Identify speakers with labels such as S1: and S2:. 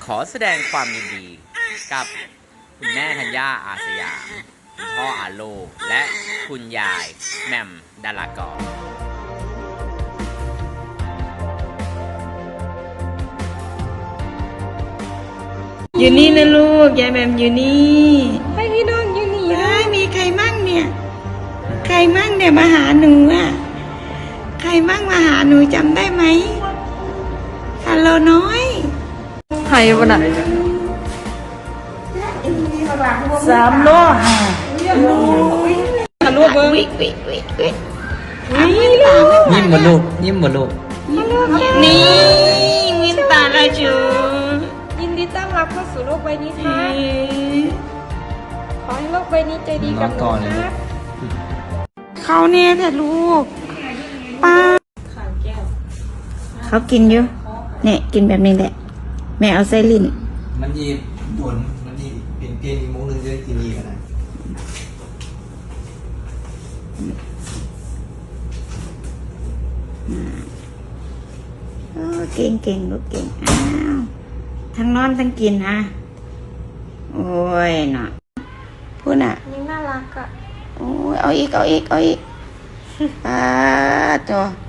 S1: ขอแสดงความยินดีกับคุณแม่ธัญญาอาสยามคุณพ่ออาโลและคุณยายแหม่มดารากร
S2: อยู่นี่นะลูกยายแหม่มอยู่นี่
S3: ให้พี่น้องอยู่นี่
S2: ได้มีใครมั่งเนี่ยใครมั่งเนี่ยมาหาหนูอ่ะใครมั่งมาหาหนูจำได้ไหมฮัลโหลน้อย
S3: ไผ่บนอ่ะ
S2: 3 โลค่ะ
S3: ทะลุเบิ้ง
S2: วิ
S1: ยิ้มบลูกยิ้มบลูก
S2: นี่วินตาละจู
S3: ยินดีต้อนรับเข้าสู่โลกใบนี้ครับขอให้โลกใบนี้ใจดีกับหนูครับ
S2: เขาเนี่ยแต่ลูกป้าเขากินอยู่เนี่ยกินแบบนี้แหละแม่เอาไส้ลิ้น
S4: มันยีโดนมันยีเปลี่ยนอีกโมงนึงจะได้กินอีกนะ
S2: เก่งลูกเก่งอ้าวทั้งนอนทั้งกินฮะโอ้ยเนาะพูดน่ะ
S3: ยังน่ารักอ่ะ
S2: โอ้ยเอาอีก ตัว